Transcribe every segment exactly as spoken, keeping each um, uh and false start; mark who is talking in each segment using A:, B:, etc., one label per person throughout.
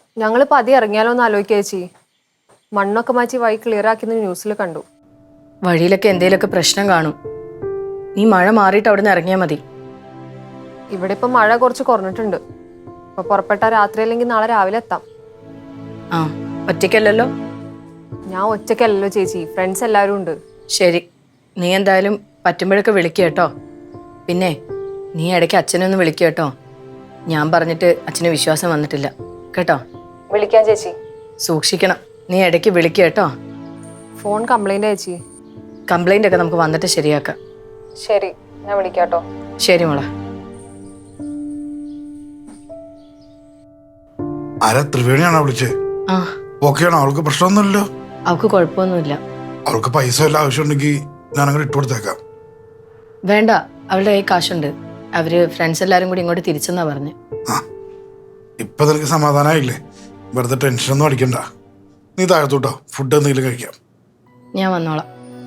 A: ഞങ്ങൾ പതി ഇറങ്ങിയാലോ എന്ന് ആലോചിക്കുക ചേച്ചി. മണ്ണൊക്കെ മാറ്റി വഴി ക്ലിയർ ആക്കിയെന്ന് ന്യൂസിൽ കണ്ടു.
B: വഴിയിലൊക്കെ എന്തെങ്കിലുമൊക്കെ പ്രശ്നം കാണും. നീ മഴ മാറിയിട്ട് അവിടെ നിന്ന് ഇറങ്ങിയാൽ മതി.
A: ഇവിടെ ഇപ്പം മഴ കുറച്ച് കുറഞ്ഞിട്ടുണ്ട്. അപ്പൊ പുറപ്പെട്ട രാത്രി അല്ലെങ്കിൽ നാളെ രാവിലെ എത്താം.
B: ആ, ഒറ്റയ്ക്കല്ലല്ലോ?
A: ഞാൻ ഒറ്റയ്ക്കല്ലല്ലോ ചേച്ചി, ഫ്രണ്ട്സ് എല്ലാവരും ഉണ്ട്.
B: ശരി, നീ എന്തായാലും പറ്റുമ്പോഴൊക്കെ വിളിക്കുക കേട്ടോ. പിന്നെ നീ ഇടയ്ക്ക് അച്ഛനെ ഒന്ന് വിളിക്കുക കേട്ടോ. ഞാൻ പറഞ്ഞിട്ട് അച്ഛന് വിശ്വാസം വന്നിട്ടില്ല കേട്ടോ.
A: വിളിക്കാൻ ചേച്ചി.
B: സൂക്ഷിക്കണം, നീ ഇടയ്ക്ക് വിളിക്കുക കേട്ടോ.
A: ഫോൺ കംപ്ലൈന്റ് ചേച്ചി.
B: കംപ്ലൈൻ്റ് ഒക്കെ നമുക്ക് വന്നിട്ട് ശരിയാക്കാം.
A: ശരി, ഞാൻ വിളിക്കാട്ടോ.
B: ശരി മോളെ.
C: ആരാ? ത്രിവേണിയാണോ വിളിച്ചേ?
B: ആ,
C: ഓക്കെയാണോ? അവൾക്ക് പ്രശ്നമൊന്നുമില്ലല്ലോ?
B: അവൾക്ക് കുഴപ്പമൊന്നുമില്ല.
C: അവൾക്ക് പൈസ വല്ല ആവശ്യമുണ്ടെങ്കിൽ ഞാൻ അങ്ങനെ ഇട്ട് കൊടുത്തേക്കാം.
B: വേണ്ട, അവളുടെ കയ്യിൽ കാശുണ്ട്. അവര് ഫ്രണ്ട്സ് എല്ലാരും കൂടി ഇങ്ങോട്ട് തിരിച്ചെന്നാ പറഞ്ഞു.
C: ആ, ഇപ്പൊ നിനക്ക് സമാധാനമായില്ലേ? വെറുതെ ടെൻഷനൊന്നും അടിക്കണ്ട. നീ താഴത്തോട്ടോ, ഫുഡ് എന്തെങ്കിലും കഴിക്കാം.
B: ഞാൻ വന്നോളാം.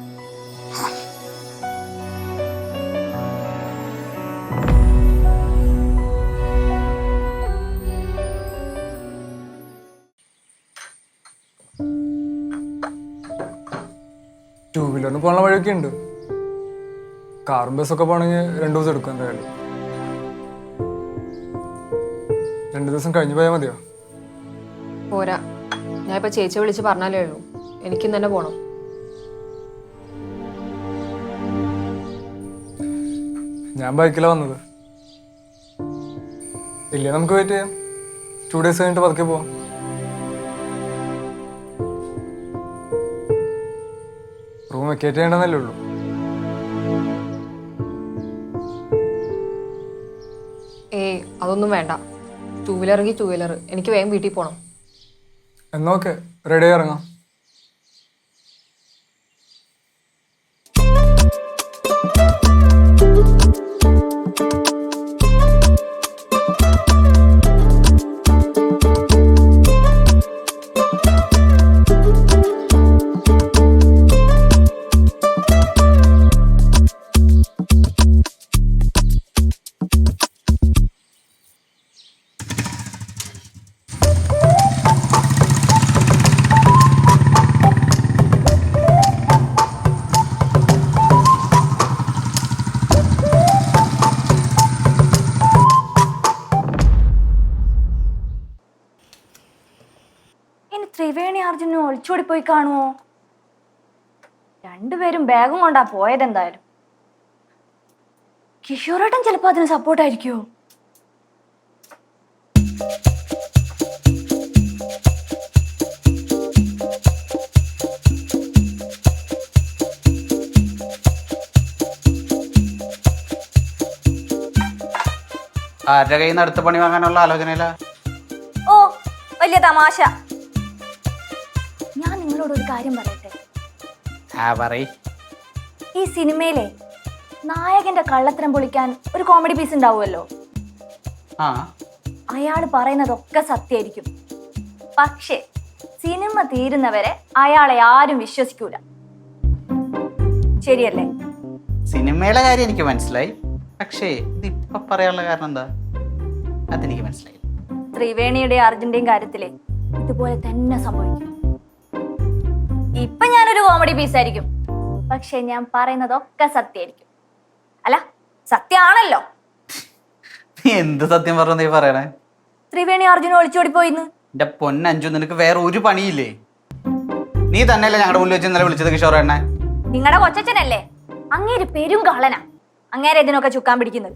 D: ടൂ വീലറിന് പോകാനുള്ള വഴിയൊക്കെ ഉണ്ട്. കാറും ബസ്സൊക്കെ പോകണമെങ്കിൽ രണ്ടു ദിവസം എടുക്കും. എന്തായാലും രണ്ടു ദിവസം കഴിഞ്ഞു പോയാൽ മതിയോ?
A: പോരാ, ഞാൻ ഇപ്പൊ ചേച്ചിയെ വിളിച്ച് പറഞ്ഞാലേ ഉള്ളൂ. എനിക്കും തന്നെ പോണം.
D: ഞാൻ ബൈക്കിലാണ് വന്നത്. ഇല്ലേ, നമുക്ക് വെയിറ്റ് ചെയ്യാം. ടു ഡേയ്സ് കഴിഞ്ഞിട്ട് പതുക്കെ പോവാം. റൂം വെക്കേറ്റ് ചെയ്യണമെന്നല്ലേ ഉള്ളൂ.
A: ഏയ്, അതൊന്നും വേണ്ട. ടൂ വീലർ എങ്കിൽ ടൂ വീലർ. എനിക്ക് വേഗം വീട്ടിൽ പോകണം.
D: എന്നോക്കെ റെഡി ആയി ഇറങ്ങാം.
E: ത്രിവേണി അർജുനും ഒളിച്ചോടി പോയി കാണുമോ? രണ്ടുപേരും ബാഗും കൊണ്ടാ പോയത്. എന്തായാലും കിഷോറേട്ടൻ ചിലപ്പോ അതിന് സപ്പോർട്ടായിരിക്കുമോ?
F: ആരുടെ കയ്യിൽ നിന്ന് അടുത്ത പണി വാങ്ങാനുള്ള ആലോചനയില്ല?
E: ഓ, വലിയ തമാശ. ഞാൻ നിങ്ങളോട് ഒരു കാര്യം പറയട്ടെ.
F: ആ, പറയ്.
E: ഈ സിനിമയിലെ നായകന്റെ കള്ളത്തരം പൊളിക്കാൻ ഒരു കോമഡി പീസ് ഉണ്ടാവുമല്ലോ.
F: ആ,
E: അയാൾ പറയുന്നതൊക്കെ സത്യമായിരിക്കും. പക്ഷേ സിനിമ തീരുന്നവരെ അയാളെ ആരും വിശ്വസിക്കൂല. ശരിയല്ലേ?
F: സിനിമയിലെ കാര്യം എനിക്ക് മനസ്സിലായി. പക്ഷേ ഇതിപ്പൊ പറയാനുള്ള കാരണം എന്താ? അതെനിക്ക് മനസ്സിലായി.
E: ത്രിവേണിയുടെ അർജുന്റെയും കാര്യത്തിലെ ഇതുപോലെ തന്നെ സംഭവിക്കും. ഇപ്പൊ ഞാനൊരു കോമഡി പീസായിരിക്കും, പക്ഷെ ഞാൻ പറയുന്നതൊക്കെ സത്യമായിരിക്കും. അല്ല, സത്യമാണല്ലോ.
F: നീ എന്ത് സത്യം പറഞ്ഞു നീ പറയണേ?
E: ത്രിവേണി അർജുന ഒളിച്ചോടി പോയിന്ന്.
F: എന്റെ പൊന്നഞ്ചു, നിനക്ക് വേറെ ഒരു പണിയില്ലേ? നീ തന്നെയല്ലേ ഞങ്ങളുടെ മുന്നിൽ വെച്ച് ഇന്നലെ വിളിച്ചത് കിഷോർ എണ്ണ?
E: നിങ്ങളുടെ കൊച്ചച്ഛനല്ലേ? അങ്ങേര് പെരും കള്ളനാ. അങ്ങേരെ ഇതിനൊക്കെ ചുക്കാൻ പിടിക്കുന്നത്.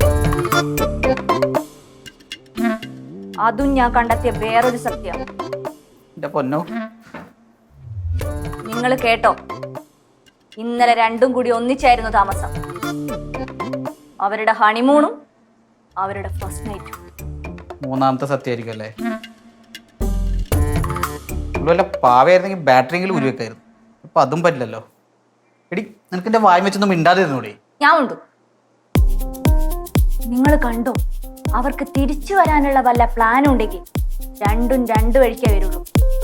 E: അതും ഞാൻ കണ്ടെത്തിയ വേറൊരു സത്യം.
F: എന്റെ പൊന്നോ,
E: നിങ്ങൾ കേട്ടോ? ഇന്നലെ രണ്ടും കൂടി ഒന്നിച്ചായിരുന്നു താമസം. അവരുടെ ഹണിമൂണും അവരുടെ ഫസ്റ്റ് നൈറ്റും.
F: മൂന്നാമത്തെ സത്യമായിരിക്കും അല്ലേ? വല്ല പാവയായിരുന്നെങ്കിൽ ബാറ്ററിയെങ്കിലും ഉരുവെക്കായിരുന്നു. അപ്പൊ അതും പറ്റില്ലല്ലോ. എടി, നിനക്ക് എന്റെ വായി വെച്ചൊന്നും മിണ്ടാതിരുന്നൂടെ?
E: ഞാൻ ഉണ്ടു. നിങ്ങൾ കണ്ടോ? അവർക്ക് തിരിച്ചു വരാനുള്ള വല്ല പ്ലാനും ഉണ്ടെങ്കിൽ രണ്ടും രണ്ടു വഴിക്കേ വരുള്ളൂ.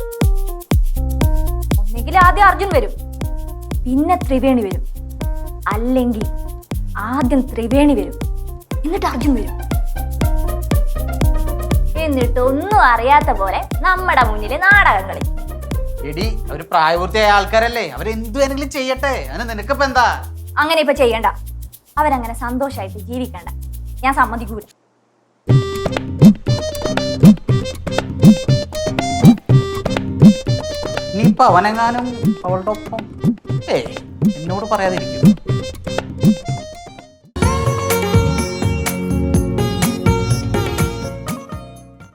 E: ഒന്നെങ്കിൽ ആദ്യം അർജുൻ വരും, പിന്നെ ത്രിവേണി വരും. അല്ലെങ്കിൽ ആദ്യം ത്രിവേണി വരും, എന്നിട്ട് അർജുൻ വരും. എന്നിട്ട് ഒന്നും അറിയാത്ത പോലെ നമ്മുടെ മുന്നിൽ നാടകം കളി.
F: എടി അവര് പ്രായപൂർത്തിയായ ആൾക്കാരല്ലേ, അവരെന്ത് വേണമെങ്കിലും ചെയ്യട്ടെ, അതിന് നിനക്കിപ്പോ എന്താ?
E: അങ്ങനെ ഇപ്പൊ ചെയ്യണ്ട. അവരങ്ങനെ സന്തോഷമായിട്ട് ജീവിക്കണ്ട, ഞാൻ സമ്മതിക്കൂല.
F: നീ ഇപ്പൊ അവനെങ്ങാനും അവളുടെ ഒപ്പം ഏ എന്നോട് പറയാതിരിക്കും.